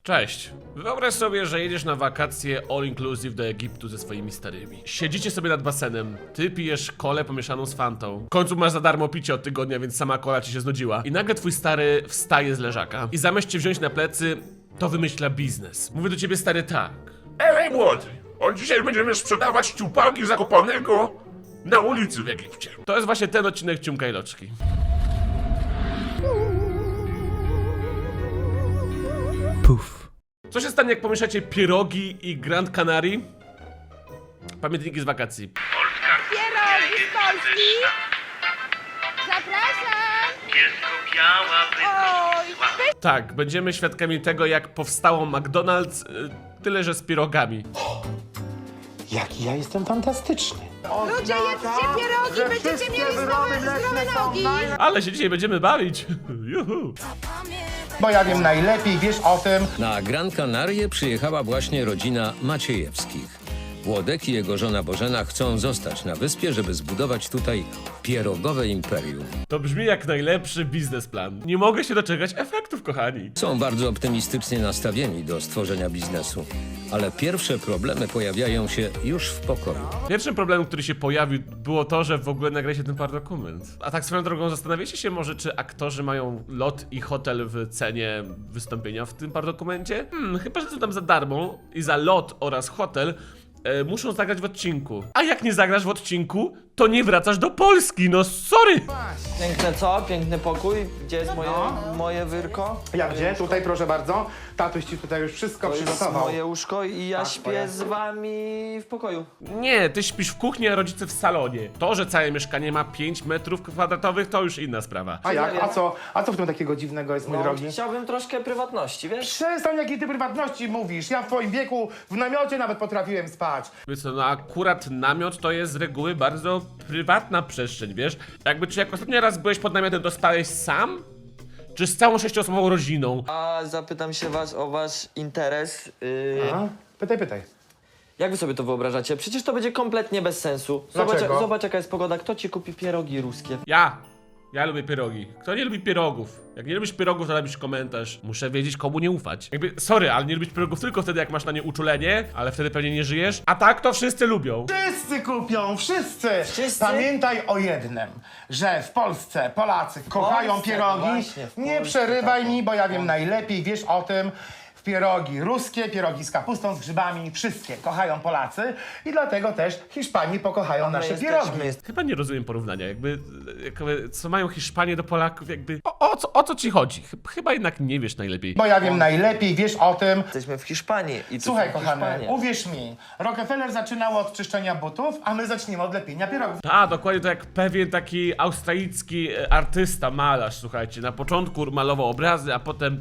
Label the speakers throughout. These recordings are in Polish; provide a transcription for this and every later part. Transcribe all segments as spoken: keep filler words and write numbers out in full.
Speaker 1: Cześć. Wyobraź sobie, że jedziesz na wakacje all inclusive do Egiptu ze swoimi starymi. Siedzicie sobie nad basenem, ty pijesz kolę pomieszaną z fantą. W końcu masz za darmo picie od tygodnia, więc sama kola ci się znudziła. I nagle twój stary wstaje z leżaka i zamiast cię wziąć na plecy, to wymyśla biznes. Mówi do ciebie stary tak.
Speaker 2: Ej, młody, od dzisiaj będziemy sprzedawać ciupałki Zakopanego na ulicy w Egipcie.
Speaker 1: To jest właśnie ten odcinek Ciumka i Loczki.
Speaker 3: Puf.
Speaker 1: Co się stanie, jak pomieszacie pierogi i Grand Canary? Pamiętniki z wakacji.
Speaker 4: Pierogi z Polski! Zapraszam!
Speaker 5: Jest biała,
Speaker 4: Oj,
Speaker 1: Tak, będziemy świadkami tego, jak powstało McDonald's, y, tyle że z pierogami.
Speaker 6: Jaki ja jestem fantastyczny.
Speaker 4: ludzie, jedzcie pierogi, będziecie mieli zdrowe, zdrowe nogi!
Speaker 1: Ale się dzisiaj będziemy bawić. Juhu.
Speaker 6: Bo ja wiem najlepiej, wiesz o tym.
Speaker 7: Na Gran Canarie przyjechała właśnie rodzina Maciejewskich. Włodek i jego żona Bożena chcą zostać na wyspie, żeby zbudować tutaj pierogowe imperium.
Speaker 1: To brzmi jak najlepszy biznesplan. Nie mogę się doczekać efektów, kochani.
Speaker 7: Są bardzo optymistycznie nastawieni do stworzenia biznesu, ale pierwsze problemy pojawiają się już w pokoju.
Speaker 1: Pierwszym problemem, który się pojawił, było to, że w ogóle nagraliście ten paradokument. A tak swoją drogą, zastanawiacie się może, czy aktorzy mają lot i hotel w cenie wystąpienia w tym paradokumencie? Hmm, chyba, że są tam za darmo i za lot oraz hotel e, muszą zagrać w odcinku. A jak nie zagrasz w odcinku, to nie wracasz do Polski, no sorry!
Speaker 8: Piękne co? Piękny pokój? Gdzie jest moje, moje wyrko?
Speaker 6: Jak gdzie? Tutaj proszę bardzo. Tatuś ci tutaj już wszystko
Speaker 8: To jest
Speaker 6: przygotował.
Speaker 8: moje łóżko i ja
Speaker 6: Tak,
Speaker 8: śpię
Speaker 6: twoje.
Speaker 8: z wami w pokoju.
Speaker 1: Nie, ty śpisz w kuchni, a rodzice w salonie. To, że całe mieszkanie ma pięć metrów kwadratowych, to już inna sprawa.
Speaker 6: A jak? A co? A co w tym takiego dziwnego jest, mój
Speaker 8: No,
Speaker 6: drogi?
Speaker 8: chciałbym troszkę prywatności, wiesz?
Speaker 6: Przestań, jakiej ty prywatności mówisz. Ja w twoim wieku w namiocie nawet potrafiłem spać.
Speaker 1: Wiesz co, no akurat namiot to jest z reguły bardzo prywatna przestrzeń, wiesz? Jakby, czy jak ostatni raz byłeś pod namiotem, to spałeś sam? Czy z całą sześcioosobową rodziną?
Speaker 8: A zapytam się was o wasz interes. Yy,
Speaker 6: A? Pytaj, pytaj.
Speaker 8: jak wy sobie to wyobrażacie? Przecież to będzie kompletnie bez sensu. Zobacz,
Speaker 6: Dlaczego?
Speaker 8: zobacz jaka jest pogoda. Kto ci kupi pierogi ruskie?
Speaker 1: Ja! Ja lubię pierogi. Kto nie lubi pierogów? Jak nie lubisz pierogów, to napisz komentarz. Muszę wiedzieć, komu nie ufać. Jakby, sorry, ale nie lubisz pierogów tylko wtedy, jak masz na nie uczulenie, ale wtedy pewnie nie żyjesz. A tak to wszyscy lubią.
Speaker 6: Wszyscy kupią, wszyscy.
Speaker 8: Wszyscy?
Speaker 6: Pamiętaj o jednym, że w Polsce Polacy kochają
Speaker 8: Polsce,
Speaker 6: pierogi.
Speaker 8: właśnie, w
Speaker 6: Nie
Speaker 8: Polsce,
Speaker 6: przerywaj
Speaker 8: tak.
Speaker 6: mi, bo ja wiem najlepiej, wiesz o tym. Pierogi ruskie, pierogi z kapustą, z grzybami, wszystkie kochają Polacy i dlatego też Hiszpanii pokochają
Speaker 8: My
Speaker 6: nasze
Speaker 8: jesteśmy-
Speaker 6: pierogi.
Speaker 8: jest-
Speaker 1: Chyba nie rozumiem porównania, jakby, jakby co mają Hiszpanie do Polaków, jakby, o, o, co, o co ci chodzi? Chyb- Chyba jednak nie wiesz najlepiej.
Speaker 6: Bo ja wiem najlepiej, wiesz o tym.
Speaker 8: Jesteśmy w Hiszpanii i tu
Speaker 6: Słuchaj,
Speaker 8: są
Speaker 6: kochany,
Speaker 8: Hiszpanie.
Speaker 6: uwierz mi, Rockefeller zaczynał od czyszczenia butów, a my zaczniemy od lepienia pierogów.
Speaker 1: A, dokładnie to jak pewien taki australijski e, artysta, malarz, słuchajcie, na początku malował obrazy, a potem...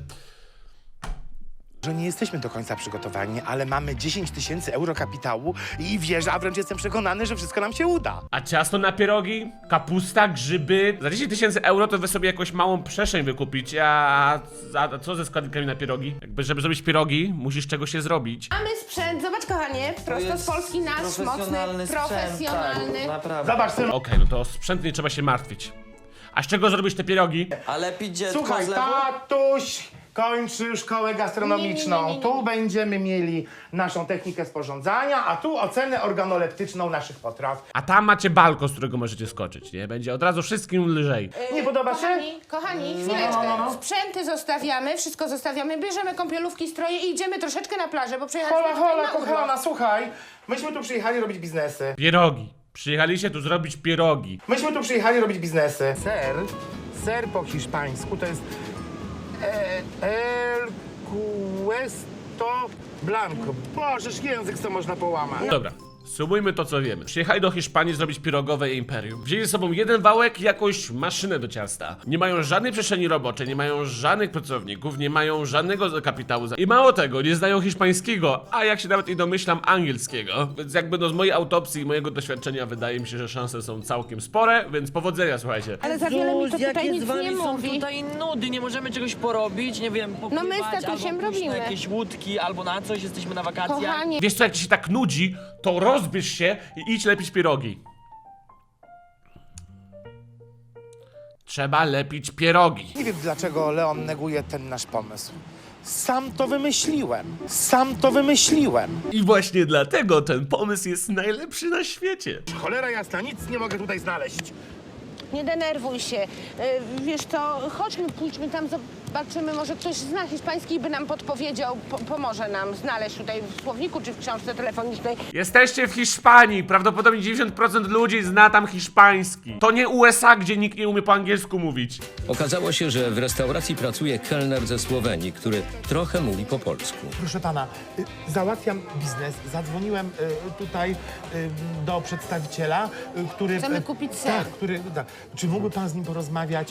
Speaker 6: Że nie jesteśmy do końca przygotowani, ale mamy dziesięć tysięcy euro kapitału i wierzę, a wręcz jestem przekonany, że wszystko nam się uda.
Speaker 1: A ciasto na pierogi, kapusta, grzyby. Za dziesięć tysięcy euro to wy sobie jakąś małą przestrzeń wykupić, a, a co ze składnikami na pierogi? Jakby, żeby zrobić pierogi, musisz czegoś się zrobić.
Speaker 4: Mamy sprzęt, zobacz kochanie,
Speaker 8: To
Speaker 4: prosto z
Speaker 8: jest
Speaker 4: Polski nasz, mocny,
Speaker 8: profesjonalny sprzęt,
Speaker 4: profesjonalny.
Speaker 8: Tak, naprawdę.
Speaker 6: Zobacz, synu.
Speaker 1: Okej, no to sprzęt nie trzeba się martwić. A z czego zrobisz te pierogi?
Speaker 8: A lepić dziecko
Speaker 6: Słuchaj,
Speaker 8: z lewu?
Speaker 6: tatuś kończy szkołę gastronomiczną.
Speaker 4: Nie, nie, nie, nie, nie.
Speaker 6: Tu będziemy mieli naszą technikę sporządzania, a tu ocenę organoleptyczną naszych potraw.
Speaker 1: A tam macie balkon, z którego możecie skoczyć, nie? Będzie od razu wszystkim lżej.
Speaker 6: Nie podoba się?
Speaker 4: Kochani, kochani, chwileczkę.
Speaker 6: no, no.
Speaker 4: Sprzęty zostawiamy, wszystko zostawiamy, bierzemy kąpielówki, stroje i idziemy troszeczkę na plażę, bo przejechaliśmy
Speaker 6: Hola,
Speaker 4: tutaj
Speaker 6: hola,
Speaker 4: na urlop.
Speaker 6: kochana, słuchaj. Myśmy tu przyjechali robić biznesy.
Speaker 1: Pierogi. Przyjechaliście tu zrobić pierogi.
Speaker 6: Myśmy tu przyjechali robić biznesy. Ser, ser po hiszpańsku to jest e, el cuesto blanco. Bożeż, język co można połamać.
Speaker 1: Dobra, sumujmy to, co wiemy. Przyjechali do Hiszpanii zrobić pierogowe imperium. Wzięli ze sobą jeden wałek i jakąś maszynę do ciasta. Nie mają żadnej przestrzeni roboczej, nie mają żadnych pracowników, nie mają żadnego kapitału. I mało tego, nie znają hiszpańskiego, a jak się nawet i domyślam, angielskiego. Więc jakby no z mojej autopsji i mojego doświadczenia wydaje mi się, że szanse są całkiem spore, więc powodzenia, słuchajcie.
Speaker 4: Ale za wiele mi to tutaj
Speaker 5: jakie
Speaker 4: nic
Speaker 5: z wami
Speaker 4: nie
Speaker 5: są
Speaker 4: mówi.
Speaker 5: tutaj nudy, nie możemy czegoś porobić, nie wiem, popływać,
Speaker 4: No my z tatusiem
Speaker 5: albo pójść
Speaker 4: robimy.
Speaker 5: na jakieś łódki, albo na coś, jesteśmy na wakacjach.
Speaker 4: Kochanie,
Speaker 1: Wiesz co, jak ci się tak nudzi, to rozbierz się i idź lepić pierogi. Trzeba lepić pierogi.
Speaker 6: Nie wiem, dlaczego Leon neguje ten nasz pomysł. Sam to wymyśliłem. Sam to wymyśliłem.
Speaker 1: I właśnie dlatego ten pomysł jest najlepszy na świecie.
Speaker 6: Cholera jasna, nic nie mogę tutaj znaleźć.
Speaker 4: Nie denerwuj się. E, Wiesz co, chodźmy, pójdźmy tam, zobaczymy, może ktoś zna hiszpański i by nam podpowiedział, po pomoże nam znaleźć tutaj w słowniku czy w książce telefonicznej.
Speaker 1: Jesteście w Hiszpanii, prawdopodobnie dziewięćdziesiąt procent ludzi zna tam hiszpański. To nie U S A, gdzie nikt nie umie po angielsku mówić.
Speaker 7: Okazało się, że w restauracji pracuje kelner ze Słowenii, który trochę mówi po polsku.
Speaker 6: Proszę pana, y, załatwiam biznes. Zadzwoniłem y, tutaj y, do przedstawiciela, y, który...
Speaker 4: Chcemy
Speaker 6: y,
Speaker 4: kupić ser.
Speaker 6: Tak, który... Da. Czy mógłby pan z nim porozmawiać?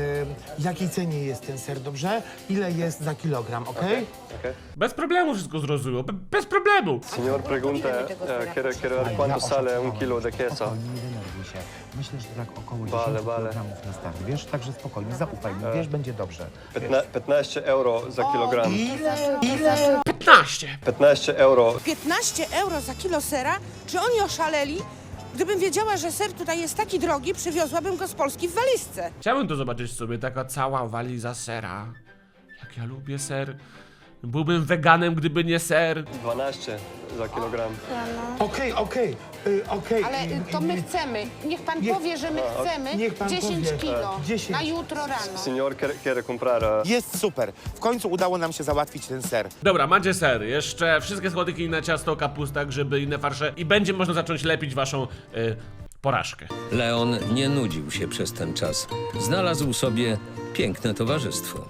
Speaker 6: Y, jakiej cenie jest ten ser, dobrze? Ile jest za kilogram, okej?
Speaker 1: Bez problemu wszystko zrozumiał, be- bez problemu.
Speaker 9: Signor pregunta, eh, quiero, quiero ver cuánto sale un kilo de queso.
Speaker 10: Spokojnie, nie denerwuj się. Myślę, że tak około
Speaker 9: Vale,
Speaker 10: dziesięć
Speaker 9: vale.
Speaker 10: kilogramów na start, wiesz? Także spokojnie, zaufaj mi, wiesz, będzie dobrze.
Speaker 9: Piętna- piętnaście euro za kilogram.
Speaker 6: Ile? Ile?
Speaker 1: piętnaście.
Speaker 9: piętnaście euro.
Speaker 11: piętnaście euro za kilo sera? Czy oni oszaleli? Gdybym wiedziała, że ser tutaj jest taki drogi, przywiozłabym go z Polski w walizce.
Speaker 1: Chciałbym to zobaczyć sobie, taka cała waliza sera. Jak ja lubię ser. Byłbym weganem, gdyby nie ser.
Speaker 9: dwanaście za kilogram.
Speaker 6: Okej, okej, y, okej.
Speaker 4: Ale y, to my chcemy. Niech pan
Speaker 6: Niech-
Speaker 4: powie, że my chcemy
Speaker 6: niech pan
Speaker 4: dziesięć
Speaker 6: powie.
Speaker 4: kilo
Speaker 6: dziesięć.
Speaker 4: na jutro rano.
Speaker 9: Signor quiere, quiere comprar eh,
Speaker 6: Jest super. W końcu udało nam się załatwić ten ser.
Speaker 1: Dobra, macie ser, jeszcze wszystkie składniki, inne ciasto, kapusta, grzyby, inne farsze i będzie można zacząć lepić waszą y, porażkę.
Speaker 7: Leon nie nudził się przez ten czas. Znalazł sobie piękne towarzystwo.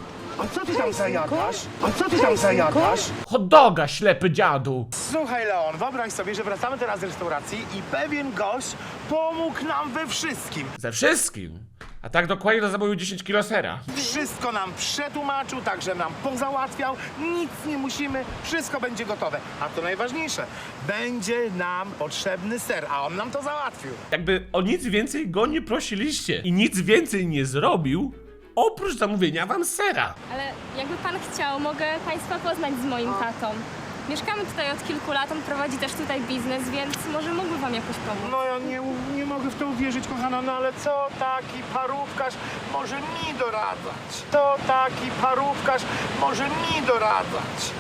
Speaker 6: A co ty tam zajadasz? A co ty tam zajadasz?
Speaker 1: Hot doga, ślepy dziadu.
Speaker 6: Słuchaj, Leon, wyobraź sobie, że wracamy teraz z restauracji i pewien gość pomógł nam we wszystkim.
Speaker 1: Ze wszystkim. A tak dokładnie to zamówił dziesięć kilo sera.
Speaker 6: Wszystko nam przetłumaczył, także nam pozałatwiał, nic nie musimy, wszystko będzie gotowe. A to najważniejsze, będzie nam potrzebny ser, a on nam to załatwił.
Speaker 1: Jakby o nic więcej go nie prosiliście i nic więcej nie zrobił, oprócz zamówienia wam sera.
Speaker 12: Ale jakby pan chciał, mogę państwa poznać z moim tatą. Mieszkamy tutaj od kilku lat, on prowadzi też tutaj biznes, więc może mógłby wam jakoś pomóc.
Speaker 6: No ja nie, nie mogę w to uwierzyć, kochana, no ale co taki parówkarz może mi doradzać? To taki parówkarz może mi doradzać?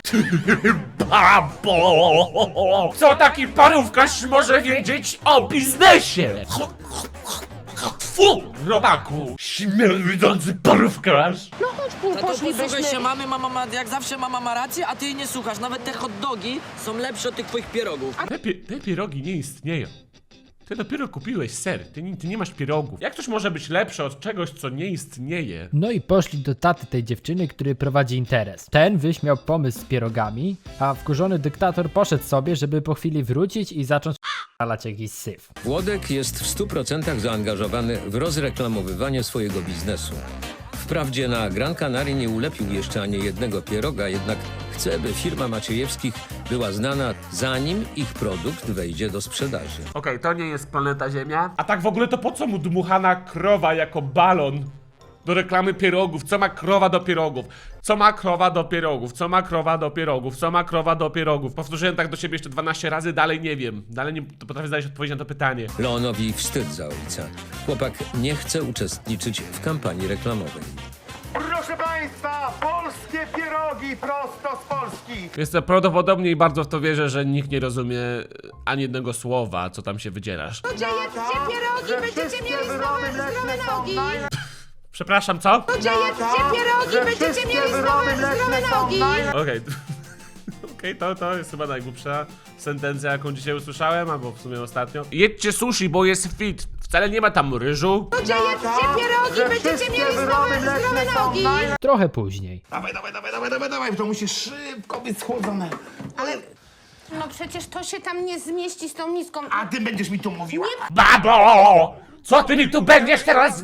Speaker 1: Babo! Co taki parówkarz może wiedzieć o biznesie? Fu, robaku! Śmierdzący parówkarz!
Speaker 4: No chodź, pół,
Speaker 5: No to
Speaker 4: poszlibyśmy.
Speaker 5: posłuchaj się mamy, mama ma, jak zawsze mama ma rację, a ty jej nie słuchasz. Nawet te hot dogi są lepsze od tych twoich pierogów.
Speaker 1: Te, pi te pierogi nie istnieją. Ty dopiero kupiłeś ser, ty nie, ty nie masz pierogów. Jak coś może być lepsze od czegoś, co nie istnieje?
Speaker 3: No i poszli do taty tej dziewczyny, który prowadzi interes. Ten wyśmiał pomysł z pierogami, a wkurzony dyktator poszedł sobie, żeby po chwili wrócić i zacząć alać jakiś syf.
Speaker 7: Włodek jest w stu procentach zaangażowany w rozreklamowywanie swojego biznesu. Wprawdzie na Gran Canaria nie ulepił jeszcze ani jednego pieroga, jednak chce, by firma Maciejewskich była znana, zanim ich produkt wejdzie do sprzedaży.
Speaker 1: Okej, to nie jest planeta Ziemia. A tak w ogóle to po co mu dmuchana krowa jako balon do reklamy pierogów? Co ma krowa do pierogów? Co ma krowa do pierogów? Co ma krowa do pierogów? Co ma krowa do pierogów? Powtórzyłem tak do siebie jeszcze dwanaście razy, dalej nie wiem. Dalej nie potrafię znaleźć odpowiedzi na to pytanie.
Speaker 7: Leonowi wstyd za ojca. Chłopak nie chce uczestniczyć w kampanii reklamowej.
Speaker 6: Proszę państwa, polskie pierogi prosto z Polski.
Speaker 1: Jest to prawdopodobnie i bardzo w to wierzę, że nikt nie rozumie ani jednego słowa, co tam się wydzierasz.
Speaker 11: Gdzie jedzcie pierogi, będziecie mieli zdrowe, zdrowe nogi!
Speaker 1: Przepraszam, co?
Speaker 11: Gdzie jedzcie pierogi, będziecie mieli zdrowe, zdrowe nogi!
Speaker 1: Okej. Okej, to, to jest chyba najgłupsza sentencja, jaką dzisiaj usłyszałem, albo w sumie ostatnio. Jedźcie sushi, bo jest fit. Wcale nie ma tam ryżu.
Speaker 11: Gdzie jedzcie pierogi, będziecie mieli zdrowe, zdrowe nogi!
Speaker 3: Trochę później.
Speaker 6: Dawaj, dawaj, dawaj, dawaj, dawaj, dawaj, to musi szybko być schłodzone. Ale,
Speaker 4: No przecież to się tam nie zmieści z tą miską.
Speaker 6: a ty będziesz mi tu mówiła?
Speaker 1: Babo! Co ty mi tu będziesz teraz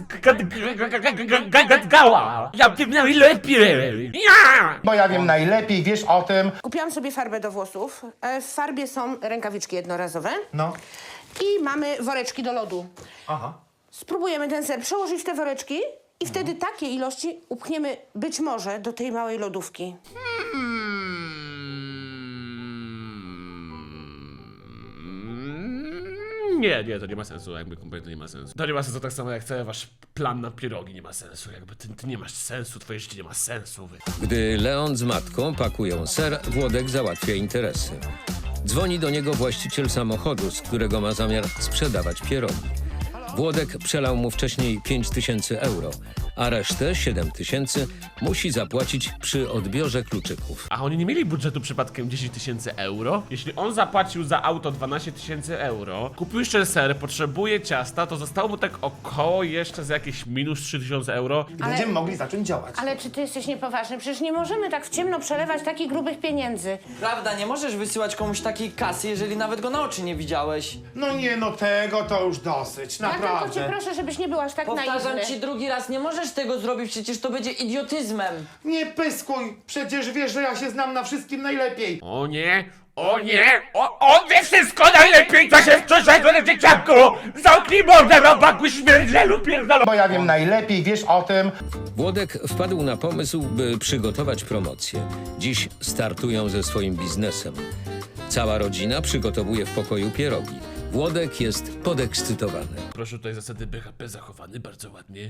Speaker 1: gadgała? Ja wiem najlepiej! Ja!
Speaker 6: Bo ja wiem najlepiej, wiesz o tym.
Speaker 4: Kupiłam sobie farbę do włosów. E, W farbie są rękawiczki jednorazowe
Speaker 6: No.
Speaker 4: i mamy woreczki do lodu.
Speaker 6: Aha.
Speaker 4: Spróbujemy ten ser przełożyć w te woreczki i wtedy takie ilości upchniemy być może do tej małej lodówki.
Speaker 1: Nie, nie, to nie ma sensu, jakby kompletnie nie ma sensu. To nie ma sensu tak samo jak cały wasz plan na pierogi nie ma sensu, jakby ty, ty nie masz sensu, twoje życie nie ma sensu. Wy.
Speaker 7: Gdy Leon z matką pakują ser, Włodek załatwia interesy. Dzwoni do niego właściciel samochodu, z którego ma zamiar sprzedawać pierogi. Włodek przelał mu wcześniej pięć tysięcy euro, a resztę, siedem tysięcy, musi zapłacić przy odbiorze kluczyków.
Speaker 1: A oni nie mieli budżetu przypadkiem dziesięć tysięcy euro? Jeśli on zapłacił za auto dwanaście tysięcy euro, kupił jeszcze ser, potrzebuje ciasta, to zostało mu tak około jeszcze za jakieś minus trzy tysiące euro.
Speaker 6: I będziemy mogli zacząć działać.
Speaker 4: Ale czy ty jesteś niepoważny? Przecież nie możemy tak w ciemno przelewać takich grubych pieniędzy.
Speaker 8: Prawda, nie możesz wysyłać komuś takiej kasy, jeżeli nawet go na oczy nie widziałeś.
Speaker 6: No nie, no tego to już dosyć,
Speaker 4: Ja tylko
Speaker 6: naprawdę.
Speaker 4: cię proszę, żebyś nie był aż tak
Speaker 8: Powtarzam
Speaker 4: naiwny.
Speaker 8: ci drugi raz, nie możesz tego zrobić, przecież to będzie idiotyzmem.
Speaker 6: Nie pyskuj, przecież wiesz, że ja się znam na wszystkim najlepiej.
Speaker 1: O nie, o nie, o, on wie wszystko najlepiej, co się wczorajszego na dzieciaku! Zamknij mordę, robaku, śmierdzielu, pierdolą!
Speaker 6: Bo ja wiem najlepiej, wiesz o tym.
Speaker 7: Włodek wpadł na pomysł, by przygotować promocję. Dziś startują ze swoim biznesem. Cała rodzina przygotowuje w pokoju pierogi. Włodek jest podekscytowany.
Speaker 1: Proszę, tutaj zasady B H P zachowane bardzo ładnie.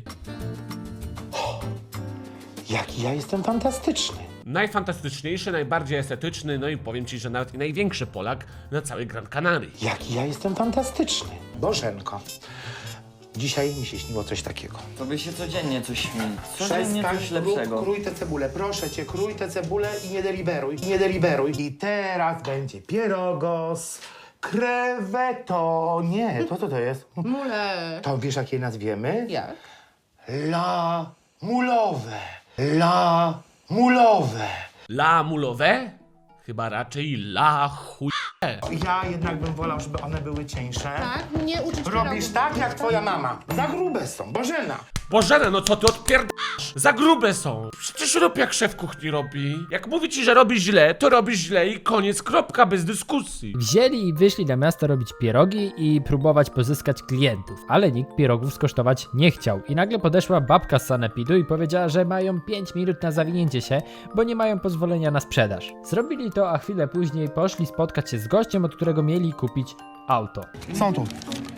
Speaker 6: Jaki ja jestem fantastyczny.
Speaker 1: Najfantastyczniejszy, najbardziej estetyczny, no i powiem ci, że nawet i największy Polak na całej Gran Canaria.
Speaker 6: Jaki ja jestem fantastyczny. Bożenko, dzisiaj mi się śniło coś takiego.
Speaker 8: Tobie się codziennie coś śni. Codziennie
Speaker 6: Przestań,
Speaker 8: coś lepszego.
Speaker 6: Krój tę cebulę, proszę cię, krój tę cebulę i nie deliberuj, nie deliberuj. I teraz będzie pierogos, kreweto, nie, to co to jest?
Speaker 4: Mule.
Speaker 6: To wiesz, jak je nazwiemy?
Speaker 4: Jak?
Speaker 6: La mulowe, la mulowe.
Speaker 1: La mulowe? Chyba raczej la chuj.
Speaker 6: Ja jednak bym wolał, żeby one były cieńsze.
Speaker 4: Tak? Nie uczyć
Speaker 6: Robisz
Speaker 4: pierogów.
Speaker 6: tak, jak twoja mama. Za grube są, Bożena.
Speaker 1: Bożena, no co ty odpierdasz? Za grube są. Przecież rób jak szef kuchni robi. Jak mówi ci, że robi źle, to robi źle i koniec, kropka, bez dyskusji.
Speaker 3: Wzięli i wyszli na miasto robić pierogi i próbować pozyskać klientów, ale nikt pierogów skosztować nie chciał. I nagle podeszła babka z sanepidu i powiedziała, że mają pięć minut na zawinięcie się, bo nie mają pozwolenia na sprzedaż. Zrobili to, a chwilę później poszli spotkać się z gościem, od którego mieli kupić auto.
Speaker 6: Są tu.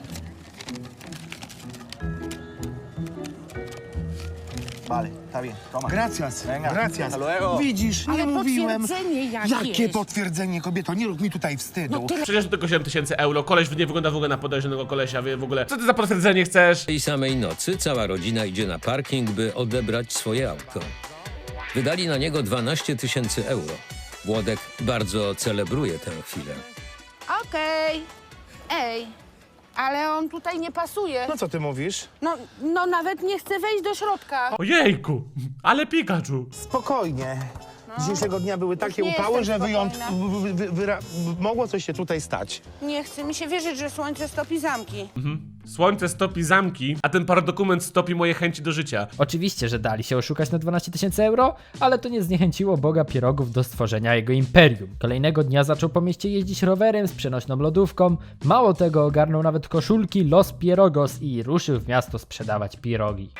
Speaker 10: Vale, está bien, toma.
Speaker 6: Gracias,
Speaker 10: Venga,
Speaker 6: gracias.
Speaker 10: hasta luego.
Speaker 6: Widzisz, nie
Speaker 4: Ale
Speaker 6: mówiłem.
Speaker 4: potwierdzenie jakieś.
Speaker 6: Jakie potwierdzenie, kobieto? Nie rób mi tutaj wstydu.
Speaker 1: Przecież to tylko siedem tysięcy euro, koleś nie wygląda w ogóle na podejrzanego kolesia, wie w ogóle. Co ty za potwierdzenie chcesz?
Speaker 7: Tej samej nocy cała rodzina idzie na parking, by odebrać swoje auto. Wydali na niego dwanaście tysięcy euro. Włodek bardzo celebruje tę chwilę.
Speaker 4: Okej. Ej, ale on tutaj nie pasuje.
Speaker 6: No co ty mówisz?
Speaker 4: No, no nawet nie chce wejść do środka.
Speaker 1: Ojejku, ale Pikachu.
Speaker 6: Spokojnie. Dzisiejszego dnia były takie
Speaker 4: nie
Speaker 6: upały,
Speaker 4: jestem
Speaker 6: że wyjąt...
Speaker 4: spokojna.
Speaker 6: wy- wy- wyra- mogło coś się tutaj stać.
Speaker 4: Nie chce mi się wierzyć, że słońce stopi zamki.
Speaker 1: Słońce stopi zamki, a ten paradokument stopi moje chęci do życia.
Speaker 3: Oczywiście, że dali się oszukać na dwanaście tysięcy euro, ale to nie zniechęciło Boga pierogów do stworzenia jego imperium. Kolejnego dnia zaczął po mieście jeździć rowerem z przenośną lodówką, mało tego ogarnął nawet koszulki Los Pierogos i ruszył w miasto sprzedawać pierogi.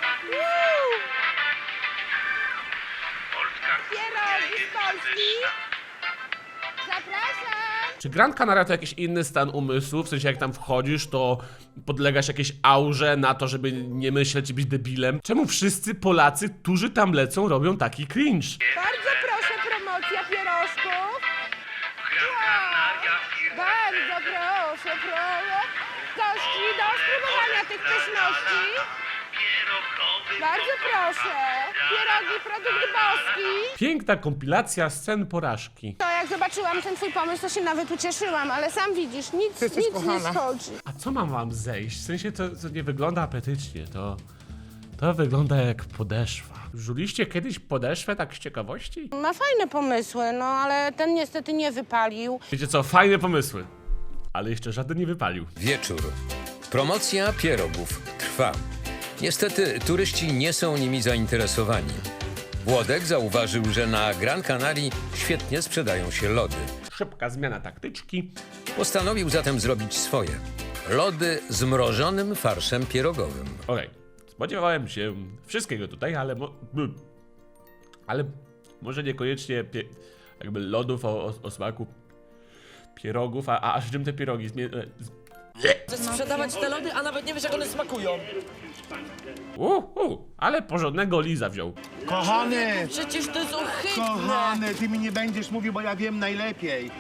Speaker 4: Pierogi z Polski. Zapraszam.
Speaker 1: Czy Gran Canaria to jakiś inny stan umysłu? W sensie jak tam wchodzisz, to podlegasz jakiejś aurze na to, żeby nie myśleć i być debilem? Czemu wszyscy Polacy, którzy tam lecą, robią taki cringe?
Speaker 4: Bardzo proszę, promocja pierożków. Wow. Bardzo proszę, proszę. Gości do spróbowania tych pyszności. Bardzo proszę. Pierogi, produkt boski.
Speaker 1: Piękna kompilacja scen porażki.
Speaker 4: To jak zobaczyłam ten twój pomysł, to się nawet ucieszyłam, ale sam widzisz, nic,
Speaker 6: jesteś
Speaker 4: nic nie
Speaker 6: kochana.
Speaker 4: schodzi.
Speaker 1: A co mam wam zejść? W sensie to, to nie wygląda apetycznie, to... To wygląda jak podeszwa. Żuliście kiedyś podeszwę tak z ciekawości?
Speaker 4: Ma fajne pomysły, no ale ten niestety nie wypalił.
Speaker 1: Wiecie co, fajne pomysły. Ale jeszcze żaden nie wypalił.
Speaker 7: Wieczór. Promocja pierogów trwa. Niestety turyści nie są nimi zainteresowani. Włodek zauważył, że na Gran Canarii świetnie sprzedają się lody.
Speaker 1: Szybka zmiana taktyczki.
Speaker 7: Postanowił zatem zrobić swoje. Lody z mrożonym farszem pierogowym.
Speaker 1: Okej, spodziewałem się wszystkiego tutaj, ale mo... Ale może niekoniecznie pie... jakby lodów o, o, o smaku pierogów, a, a aż czym te pierogi? Zmie...
Speaker 5: Chcesz sprzedawać te lody, a nawet nie wiesz, jak one smakują.
Speaker 1: Uh, uh, ale porządnego liza wziął.
Speaker 6: Kochany,
Speaker 5: Przecież to jest ohydne.
Speaker 6: kochany, ty mi nie będziesz mówił, bo ja wiem najlepiej.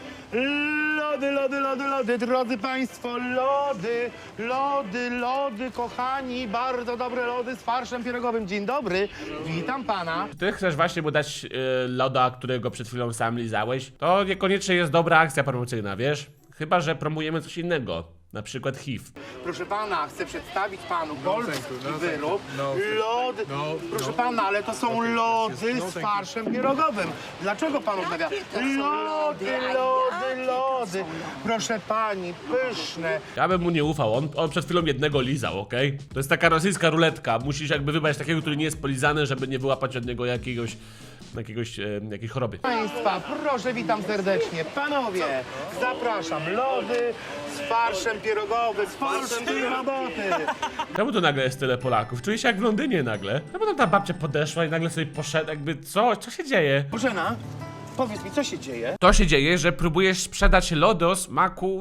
Speaker 6: Lody, lody, lody, lody, drodzy państwo, lody, lody, lody, kochani, bardzo dobre lody z farszem pierogowym. Dzień dobry, witam pana.
Speaker 1: Ty chcesz właśnie mu dać yy, loda, którego przed chwilą sam lizałeś? To niekoniecznie jest dobra akcja promocyjna, wiesz? Chyba że promujemy coś innego. Na przykład H I V.
Speaker 6: Proszę pana, chcę przedstawić panu polski wyrób. Lody. Proszę pana, ale to są lody z farszem pierogowym. Dlaczego pan odmawia? Lody, lody, lody. Proszę pani, pyszne.
Speaker 1: Ja bym mu nie ufał, on, on przed chwilą jednego lizał, okej? To jest taka rosyjska ruletka, musisz jakby wybrać takiego, który nie jest polizany, żeby nie wyłapać od niego jakiegoś, jakiegoś, e, jakiejś choroby.
Speaker 6: Państwa, proszę, witam serdecznie. Panowie, zapraszam. Lody z farszem pierogowym. Polskiej roboty.
Speaker 1: Czemu tu nagle jest tyle Polaków? Czuję się jak w Londynie nagle. No bo tam ta babcia podeszła i nagle sobie poszedł, jakby co? Co się dzieje?
Speaker 6: Bożena, powiedz mi, co się dzieje?
Speaker 1: To się dzieje, że próbujesz sprzedać lody o smaku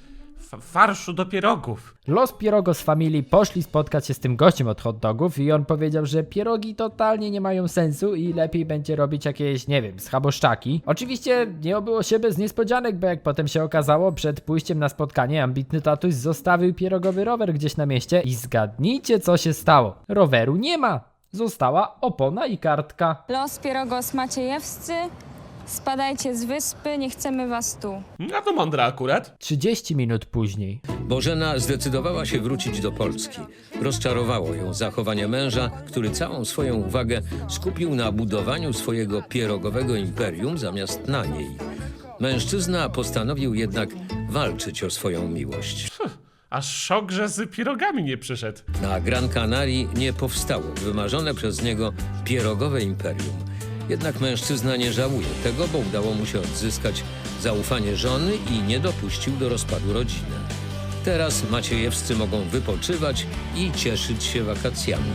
Speaker 1: f- farszu do pierogów.
Speaker 3: Los Pierogos Family poszli spotkać się z tym gościem od hot dogów i on powiedział, że pierogi totalnie nie mają sensu i lepiej będzie robić jakieś, nie wiem, schaboszczaki. Oczywiście nie obyło się bez niespodzianek, bo jak potem się okazało, przed pójściem na spotkanie ambitny tatuś zostawił pierogowy rower gdzieś na mieście i zgadnijcie, co się stało. Roweru nie ma. Została opona i kartka.
Speaker 12: Los Pierogos Maciejewscy, spadajcie z wyspy, nie chcemy was tu.
Speaker 1: No to mądre akurat.
Speaker 3: trzydzieści minut później.
Speaker 7: Bożena zdecydowała się wrócić do Polski. Rozczarowało ją zachowanie męża, który całą swoją uwagę skupił na budowaniu swojego pierogowego imperium zamiast na niej. Mężczyzna postanowił jednak walczyć o swoją miłość.
Speaker 1: Aż szok, że z pierogami nie przyszedł.
Speaker 7: Na Gran Canarii nie powstało wymarzone przez niego pierogowe imperium. Jednak mężczyzna nie żałuje tego, bo udało mu się odzyskać zaufanie żony i nie dopuścił do rozpadu rodziny. Teraz Maciejewscy mogą wypoczywać i cieszyć się wakacjami.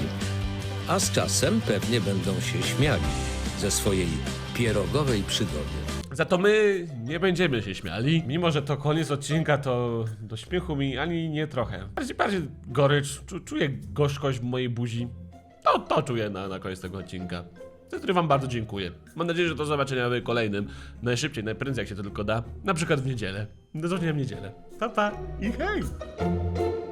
Speaker 7: A z czasem pewnie będą się śmiali ze swojej pierogowej przygody.
Speaker 1: Za to my nie będziemy się śmiali. Mimo, że to koniec odcinka, to do śmiechu mi ani nie trochę. Bardziej, bardziej gorycz, czu, czuję gorzkość w mojej buzi. To, to czuję na, na koniec tego odcinka. Za który wam bardzo dziękuję. Mam nadzieję, że do zobaczenia w kolejnym. Najszybciej, najprędzej jak się to tylko da. Na przykład w niedzielę. Do zobaczenia w niedzielę. Pa, pa i hej!